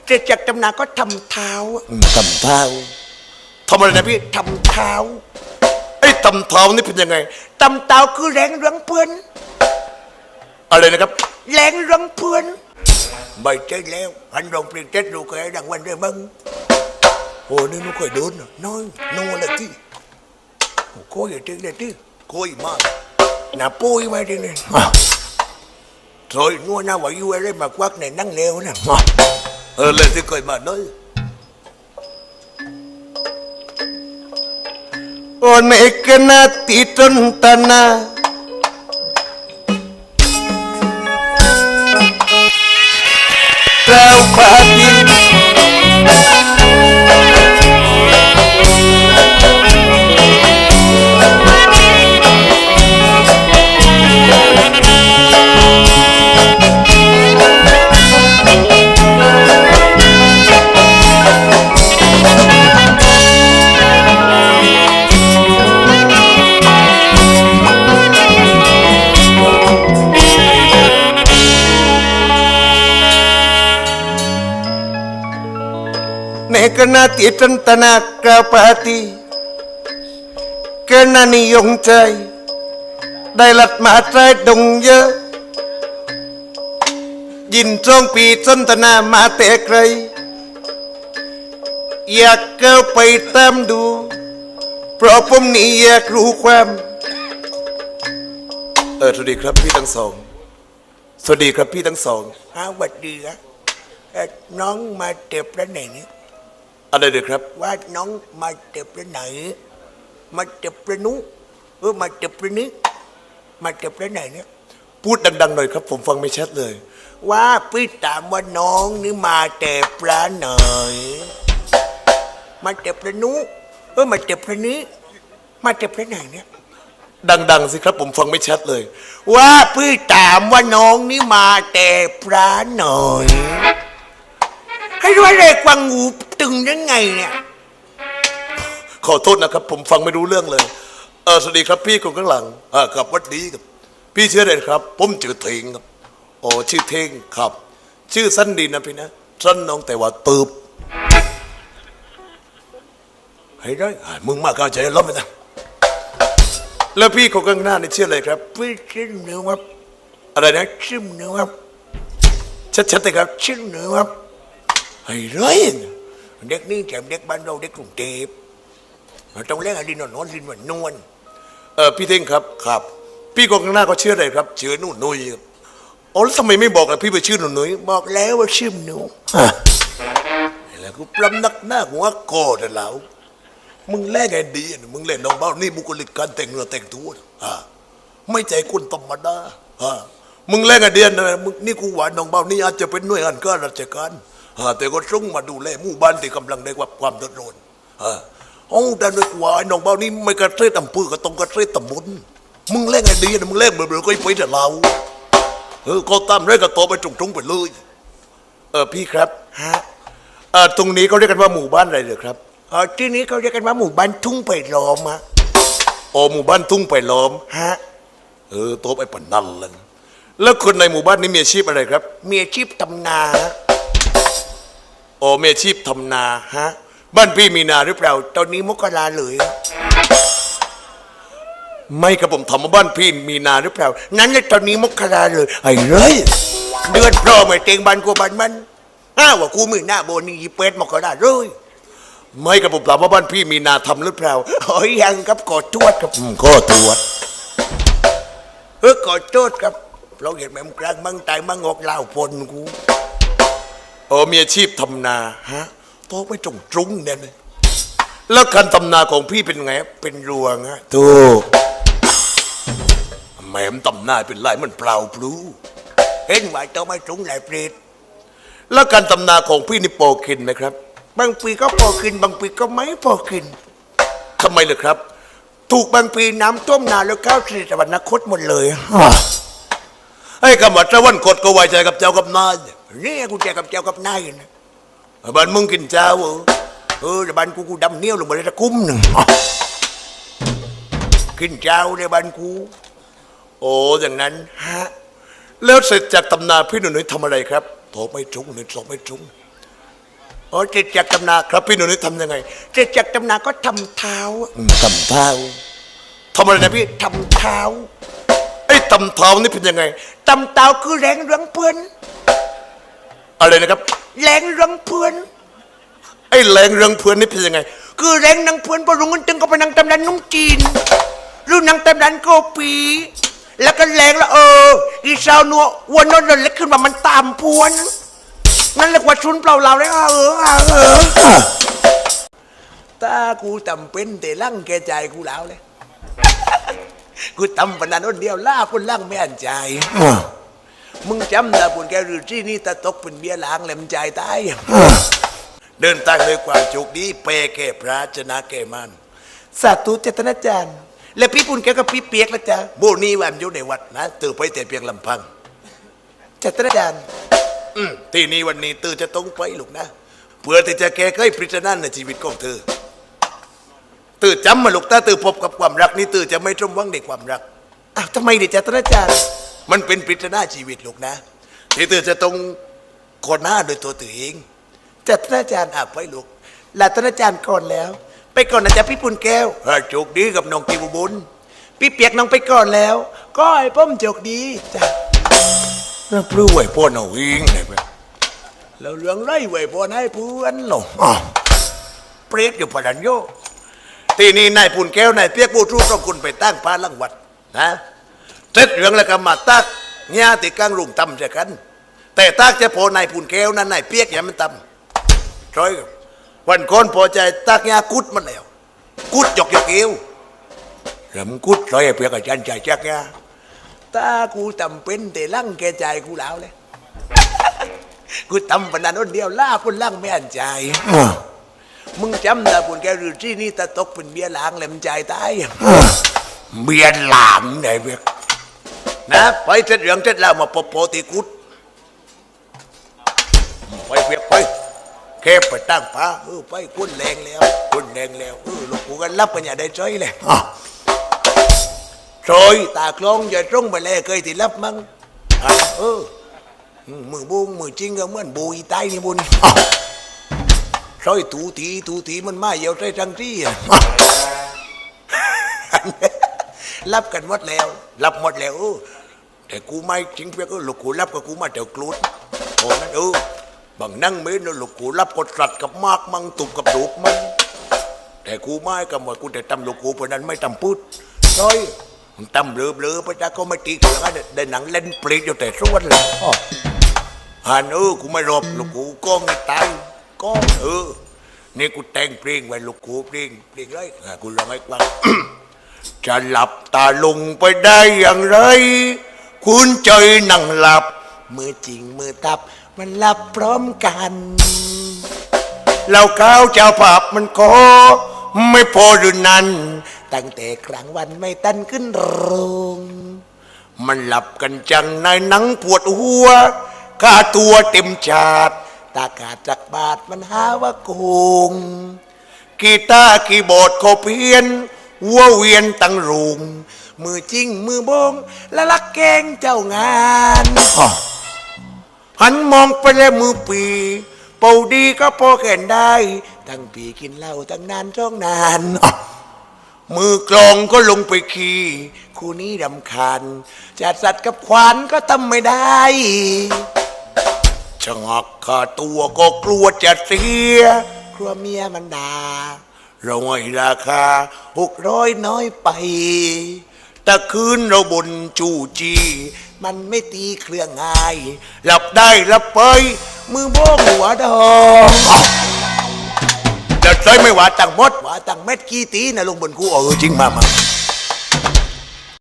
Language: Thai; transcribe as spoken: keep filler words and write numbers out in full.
เสร็จจากตำนานก็ทำเท้าทำเท้าทำอะไรนะพี่ทำเท้าไอ้ตำเท้านี่เป็นยังไงตำเท้าคือแรงเรื่องเพื่อนอะไรนะครับแรงเรื่องเพื่อนไม่ใช่แล้วอันรองเปลี่ยนเจ็ดดูแกดังวันเดียวมึงโอ้นี่นุ้ยโดนน้อยนัวเลยที่โก้ยจริงเลยที่โก้ยมากน่าปุ้ยมาจริงเลยโอยนัวน่าไหวอยู่อะไรมากวักในนั่งเลวนะเออเลยที่เคยมาน้อยโอ้เนกนาติตนตนาเราปาฏิกนาติตันตนากราปาติกนานิยงใจได้หลัดมาใจดงเยอะยินจ้องปีจนตนามาแต่ไกลอยากเก้าไปตามดูเพราะผมนี่อยากรู้ความเออสวัสดีครับพี่ทั้งสองสวัสดีครับพี่ทั้งสองฮะสวัสดีครับน้องมาเจ็บแล้วไหนเนี่ยอะไรเด็กครับว่าน้องมาเจ็บแล้วไหนมาเจ็บแล้วนุเออมาเจ็บแล้วนี้มาเจ็บแล้วไหนเนี่ยพูดดังๆหน่อยครับผมฟังไม่ชัดเลยว่าพี่ถามว่าน้องนี่มาเจ็บแล้วไหนมาเจ็บแล้วนุเออมาเจ็บแล้วนี้มาเจ็บแล้วไหนเนี่ยดังๆสิครับผมฟังไม่ชัดเลยว่าพี่ถามว่าน้องนี่มาแต่พระหน่อยให้รู้อะไรกวางงูตึงยังไงเนี่ยขอโทษนะครับผมฟังไม่รู้เรื่องเลยเออสวัสดีครับพี่คนข้างหลังอ่าครับวัดดีครับพี่ชื่ออะไรครับผมชื่อเทงครับโอ้ชื่อเทงครับชื่อสั้นดีนะพี่นะสั้นน้องแต่ว่าตืบให้ได้มึงมากเข้าใจล้อมไปนะแล้วพี่คนข้างหน้านี่ชื่ออะไรครับพี่ชื่อหนูครับอะไรนะชื่อหนูครับชัดๆเลยครับชื่อหนูครับไอ้ร้อยเด็กนี่แถมเด็กบ้านเราเด็กกรุงเทพต้องเล่นอะไรนอนนอนลินวันนวลเออพี่เท่งครับครับพี่คนข้างหน้าก็ชื่ออะไรครับชื่อหนูนุ้ยครับอ๋อแล้วทำไมไม่บอกล่ะพี่ไปชื่อหนูนุ้ยบอกแล้วว่าชื่อหนูแล้วกูปล้ำนักหน้าหัวโกรธแล้วมึงแลกไงดีมึงเล่นน้องเบ้านี่บุคลิกการแต่งเนื้อแต่งตัวอ่าไม่ใจคนธรรมดาอ่ามึงแลกไงเดียนนะมึงนี่กูหวานน้องเบ้านี่อาจจะเป็นหน่วยงานข้าราชการแต่ก็ส่งมาดูแลหมู่บ้านที่กำลังได้รับความเดือดร้อนโอ้แต่ด้วยว่าไอ้น้องเบ้านี่ไม่กระเทยตำปื้อก็ต้องกระเทยตำบุญมึงเล่นไงดีนะมึงเล่นเบื่อๆก็ไปแต่เราเออก็ตามเรื่องก็โตไปตรงๆไปเลยเออพี่ครับฮะเออตรงนี้เขาเรียกกันว่าหมู่บ้านอะไรเหรอครับเออที่นี้เขาเรียกกันว่าหมู่บ้านทุ่งไผ่ล้อมฮะโอ้หมู่บ้านทุ่งไผ่ล้อมฮะเออโตไปปนนั่นเลยแล้วคนในหมู่บ้านนี้มีอาชีพอะไรครับมีอาชีพทำนาโอ้มีอาชีพทำนาฮะบ้านพี่มีนาหรือเปล่าตอนนี้มกราเลยไม่ครับผมถามว่าบ้านพี่มีนาหรือเปล่านั้นเลยตอนนี้มกราเลยไอ้เลยเดือนพร้อมไอ้เต็งบ้านกูบ้านมันอ้าวว่ากูมือหน้าโบนี่ยีเป็ดมกราเลยไม่ครับผมถามว่าบ้านพี่มีนาทำหรือเปล่าโอ้ยยังครับกอดทวดครับกอดทวดเออกอดทวดครับเราเห็นแม่มกลางมังตายมังงอกเหล่าพลกูโอ้มีอาชีพทำนาฮะโตไปจงจุ้งเนี่ยเลยแล้วการทำนาของพี่เป็นไงเป็นรวงฮะถูกแม่มทำนาเป็นไรมันเปล่าพลูเห็นไหมตัวไม่จุ้งไหลเปรตแล้วการทำนาของพี่นี่โปกินไหมครับบางปีก็พอกินบางปีก็ไม่พอกินทำไมเลยครับถูกบางปีน้ำท่วมนาแล้วข้าวเสียสวรรคตหมดเลยไอ้กำวัดตะวันกดก็ไว้ใจกับเจ้ากับนายนี่กูใจกับเจ้ากับนายนะบ้านมึงกินเจ้าเออแต่บ้านกูกูดำเนี้ยวลงมาเลยตะคุ้มหนึ่งกินเจ้าในบ้านกูโอ้อย่างนั้นฮะแล้วเสร็จจากตำนาพี่หนุ่ยทำอะไรครับโถไม่จุ้งหนึ่งสองไม่จุ้งอ๋อเจ็ดจักรตำนาครับพี่หนูนี่ทำยังไงเจ็ดจักรตำนาก็ทำเท้าอืมทำเท้าทำอะไรนะพี่ทำเท้าไอ้ทำเท้านี่เป็นยังไงตำเท้าคือแรงเรื่องเพื่อนอะไรนะครับแรงเรื่องเพื่อนไอ้แรงเรื่องเพื่อนนี่เป็นยังไงคือแรงนังเพื่อนพอรุงเงินตึงก็ไปนังตำนานนุ่งจีนหรือนังตำนานโกปี แล้วก็แรงแล้วเอออีสาวนัววันนนท์เล็กขึ้นมามันตามพวนนั่นเรียกว่าชุนเปล่าเราเลยเออเออเออตากูจำเป็นแต่ลั่งแกใจกูแล้วเลย กูทำปนันคนเดียวล่าคนลั่งไม่อันใจ มึงจำนะปุ่นแกหรือที่นี่ตะตกเป็นเบี้ยล้างแหลมใจตาย เดินทางด้วยความโชคดีเปแก่พระชนะแก่มันสาธุเจตนาจารย์ และพี่ปุ่นแกก็พี่เปียกละจ้ะโบนี้วันอยู่ในวัดนะตื่นไปแต่เพียงลำพังเจตนาจารย์อืมที่นี่วันนี้ตื่นจะต้องไปลูกนะเพื่อที่จะแก้ไขปริศนาในชีวิตของเธอตื่นจำมาลูกถ้าตื่นพบกับความรักนี่ตื่นจะไม่จมหวังในความรักอ้าวทำไมดิเจตนาจารย์มันเป็นปริศนาชีวิตลูกนะที่ตื่นจะต้องคนหน้าโดยตัวตื่นเองเจตนาจารย์อ่ะไปลูกลาตนาจารย์ก่อนแล้ว ไปก่อนนะจ๊ะพี่ปุ่นแก้วถ้าโชคดีกับน้องกิวบุญพี่เปียกน้องไปก่อนแล้ว ก็ไอ้ป้อมโจกดีจ้ะแล้วปลื้มไหวพ่อหน่อยวิ่งไหนไปแล้วเรื่องไรไหวพ่อให้เพื่อนหรออ๋อเปรตอยู่พลันโยที่นี่นายปุ่นแก้วนายเปียกบูทูต้องคุณไปตั้งพาลังวัดนะเสร็จเรื่องแล้วก็มาตักญาติกลางรุงตำเสียกัน แต่ตักจะพอนายปุ่นแก้วนั้นนายเปียกอย่ามันตำร้อยวันก่อนพอใจตักญากุดมันแล้วกุดหยอกหยอกเอวแล้วมึงกุดร้อยไอ้เปียกอาจารย์ใจจักญาตากูจำเป็นแต่ลั่งแกใจกูแล้วเลย กูทำปนันคนเดียวล่าคนลั่งไม่อันใจ มึงจำนะปุ่นแกหรือที่นี่ตะตกเป็นเบี้ยหลางแหลมใจตายเบี้ยหลางไหนเบี้ยนะไปเสร็จเรื่องเสร็จแล้วมาปโปติกุดไปเบี้ยไปแค่ไปตั้งพระเออไปกุ้นแรงแล้วกุ้นแรงแล้วเออลูกกูกันรับกันอย่าได้ใจเลยโอยตากลองอย่าตรงไปเลยเคยที่รับมั้งอ่ะเออมือบุ้งมือจริงก็เหมือนบุยใต้นี่บุญซอยตูตีตูตีมันมาเยี่ยวใจจังที่อ่ะ รับกันหมดแล้วรับหมดแล้วเออแต่กูไม่จริงเพียงก็ลูกกูรับกับกูมาเดี๋ยวกรูดโอ้นั่นเออบางนั่งไม่นลูกกูรับกดสัตว์กับมากมังตุบกับดูกมันแต่กูไม่กับหมดกูแต่ตำลูกกูเพราะนั้นไม่ตำพูดซอยตำเบลอเบลอพระเจ้าก็ไม่ตีกันได้หนังเล่นปลีกอยู่แต่ส่วนเลยฮันเออกูไม่รบลูกกูก็ไม่ตายก็เออนี่กูแต่งเพลงไว้ลูกกูเพลงเพลงไรกูลองให้ฟัง จะหลับตาลงไปได้อย่างไร คุณใจนั่งหลับมือจริงมือตับมันหลับพร้อมกันเราข้าวเจ้าภาพมันก็ไม่พอหรือนั้นตั้งแต่กลางวันไม่ตันขึ้นโรงมันหลับกันจังในหนังปวดหัวค่าตัวเต็มชาติตากาจากบาทมันหาว่าโกงกีตาร์คีย์บอร์ดเขาเพี้ยนวัวเวียนตั้งรุงมือจริงมือบงและลักแกงเจ้างานหันมองไปแล้วมือปีเป่าดีก็พอแก่นได้ทั้งปีกินเหล้าตั้งนานจ้องนานมือกลองก็ลงไปขี่คู่นี้รำคาญจัดสัตว์กับขวานก็ทำไม่ได้ชะงักขาตัวก็กลัวจะเสียกลัวเมียมันด่าเราให้ราคาหกร้อยน้อยไปแต่คืนเราบนจูจีมันไม่ตีเครื่องง่ายหลับได้หลับไปมือโบกหัวดองจะใช้ไม่ว่าตั้งมดว่าตั้งเม็ดกี่ตีนะลงบนกูเออจริงมามา